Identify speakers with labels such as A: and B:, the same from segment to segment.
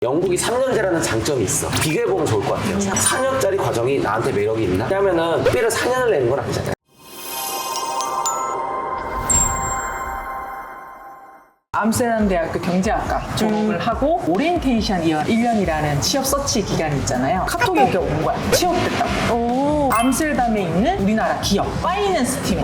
A: 영국이 3년제라는 장점이 있어. 비교해보면 좋을 것 같아요. 4년짜리 과정이 나한테 매력이 있나? 왜냐면은 특별히 4년을 내는 건 아니잖아요.
B: 암스테르담 대학교 경제학과 졸업을 하고 오리엔테이션 이어 1년이라는 취업 서치 기간이 있잖아요. 카톡이 이렇게 온 거야. 취업됐다고. 암스테르담에 있는 우리나라 기업 파이낸스 팀.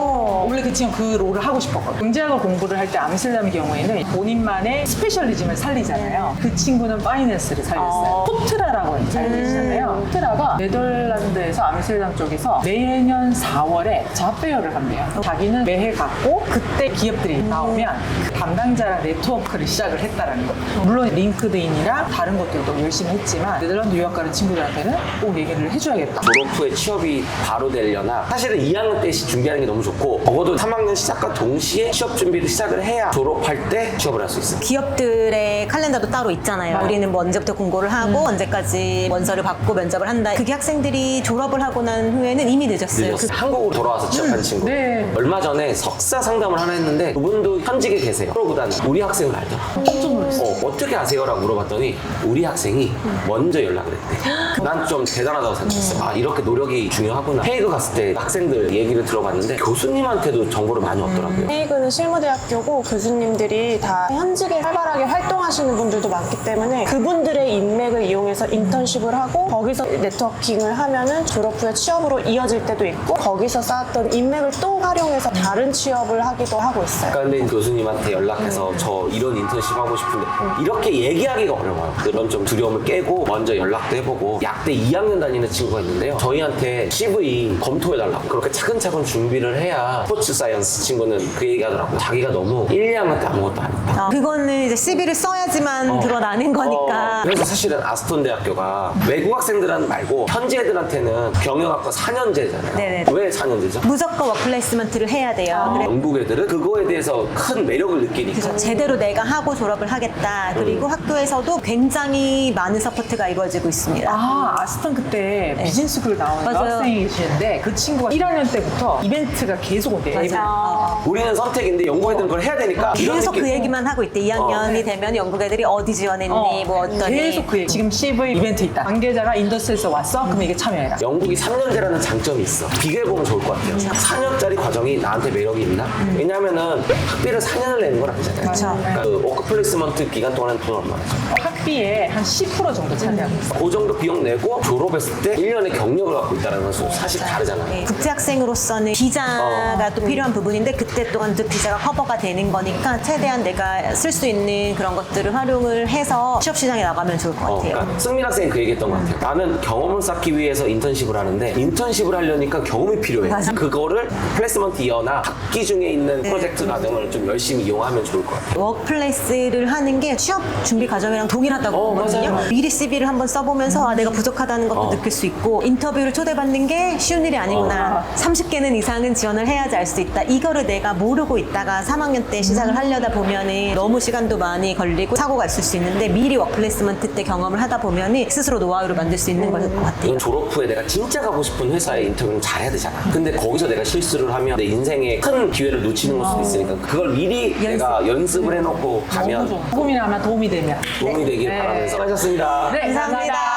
B: 원래 그 지금 그 롤을 하고 싶었거든. 경제학을 공부를 할 때 암스테르담의 경우에는 본인만의 스페셜리즘을 살리잖아요. 그 친구는 파이낸스를 살렸어요. 포트라라고 잘 계시잖아요. 포트라가 네덜란드에서 암스테르담 쪽에서 매년 4월에 잡페어를 한대요. 자기는 매해 갔고 그때 기업들이 나오면 그 담당자랑 네트워크를 시작을 했다라는 거. 물론 링크드인이랑 다른 것들도 열심히 했지만 네덜란드 유학 가는 친구들한테는 꼭 얘기를 해줘야겠다.
A: 졸업 후에 취업이 바로 되려나 사실은 2학년 때 준비하는 게 너무 좋고 적어도 3학년 시작과 동시에 취업 준비를 시작을 해야 졸업할 때 취업을 할 수 있어요.
C: 기업들의 칼렌더도 따로 있잖아요. 우리는 뭐 언제부터 공고를 하고 언제까지 원서를 받고 면접을 한다. 그게 학생들이 졸업을 하고 난 후에는 이미 늦었어요.
A: 한국으로 돌아와서 취업한 친구.
B: 네.
A: 얼마 전에 석사 상담을 하나 했는데 그분도 현직에 계세요. 프로보다는 우리 학생을 알더라.
B: 깜짝 놀랐어.
A: 어떻게 아세요? 라고 물어봤더니 우리 학생이 먼저 연락을 했대. 난 좀 대단하다고 생각했어. 아, 이렇게 노력이 중요하구나. 헤이그 갔을 때 학생들 얘기를 들어봤는데 교수님한테도 정보를 많이 얻더라고요.
D: 헤이그는 실무대학교고 교수님들이 다 현직에 활발하게 활동하시는 분들도 많기 때문에 그분들의 인맥을 이용해서 인턴십을 하고 거기서 네트워킹을 하면은 졸업 후에 취업으로 이어질 때도 있고 거기서 쌓았던 인맥을 또 활용해서 다른 취업을 하기도 하고 있어요.
A: 그러니까 근데 교수님한테 연락해서 저 이런 인턴십 하고 싶은데 이렇게 얘기하기가 어려워요. 그런 좀 두려움을 깨고 먼저 연락도 해보고 약대 2학년 다니는 친구가 있는데요. 저희한테 CV 검토해달라고 그렇게 차근차근 준비를 해야 스포츠 사이언스 친구는 그 얘기하더라고요. 자기가 너무 1, 2학년 때 아무것도 안 했다.
C: 그거는 이제 CV를 써야지만 드러나는 거니까.
A: 그래서 사실은 아스톤 대학교가 외국 학생들은 말고 현지 애들한테는 경영학과 4년제잖아요.
C: 네네.
A: 왜 4년제죠?
C: 무조건 워크플레이스먼트를 해야 돼요. 그래.
A: 영국 애들은 그거에 대해서 큰 매력을 느끼니까.
C: 그래서 제대로 내가 하고 졸업을 하겠다. 그리고 학교에서도 굉장히 많은 서포트가 이루어지고 있습니다.
B: 아, 아스턴 그때 비즈니스쿨 나오는
C: 맞아요.
B: 학생이 계시는데 그 친구가 1학년 때부터 이벤트가 계속 온대요.
A: 우리는 선택인데 영국 애들은 그걸 해야 되니까 이런
C: 계속
A: 느낌.
C: 그 얘기만 하고 있대. 2학년이 되면 영국 애들이 어디 지원했니, 뭐 어떠니.
B: 계속 그 얘기. 지금 CV 이벤트 있다. 관계자가 인더스트리에서 왔어? 그럼 이게 참여해라.
A: 영국이 3년제라는 장점이 있어. 비교해보면 좋을 것 같아요. 4년짜리 과정이 나한테 매력이 있나? 왜냐면은 학비를 4년을 내는 건 아니잖아요.
C: 그렇죠.
A: 그러니까 그 워크 플레이스먼트 기간 동안은 돈 얼마나 죠?
B: 학비의 한 10% 정도 차지하고 있어.
A: 그 정도 비용 내고 졸업했을 때 1년의 경력을 갖고 있다는 것은 사실 다르잖아요.
C: 네, 국제학생으로서는 비자가 또 필요한 부분인데 그때 또한 또 비자가 커버가 되는 거니까 최대한 내가 쓸 수 있는 그런 것들을 활용을 해서 취업시장에 나가면 좋을 것 같아요.
A: 그러니까 승민 학생이 그 얘기했던 것 같아요. 나는 경험을 쌓기 위해서 인턴십을 하는데 인턴십을 하려니까 경험이 필요해.
C: 맞아.
A: 그거를 플레이스먼트 이어나 학기 중에 있는 프로젝트 과정을 좀 열심히 이용하면 좋을 것 같아요.
C: 워크플레이스를 하는 게 취업 준비 과정이랑 동일하다고 보거든요.
A: 맞아요.
C: 미리 CV를 한번 써보면서 아, 내가 부족하다는 것도 느낄 수 있고 인터뷰를 초대받는 게 쉬운 일이 아니구나. 30개는 이상은 지원을 해야지 알 수 있다. 이거를 내가 모르고 있다가 3학년 때 시작을 하려다 보면은 너무 시간도 많이 걸리고 사고가 있을 수 있는데 미리 워크플레이스먼트 때 경험을 하다 보면은 스스로 노하우를 만들 수 있는 것 같아요.
A: 이건 졸업 후에 내가 진짜 가고 싶은 회사에 인터뷰를 잘해야 되잖아. 근데 거기서 내가 실수를 하면 내 인생에 큰 기회를 놓치는 걸 수도 있으니까 그걸 미리 내가 연습을 해놓고 가면
B: 조금이나마 도움이 되면.
A: 도움이 되길 바라면서 하셨습니다.
B: 네,
C: 감사합니다.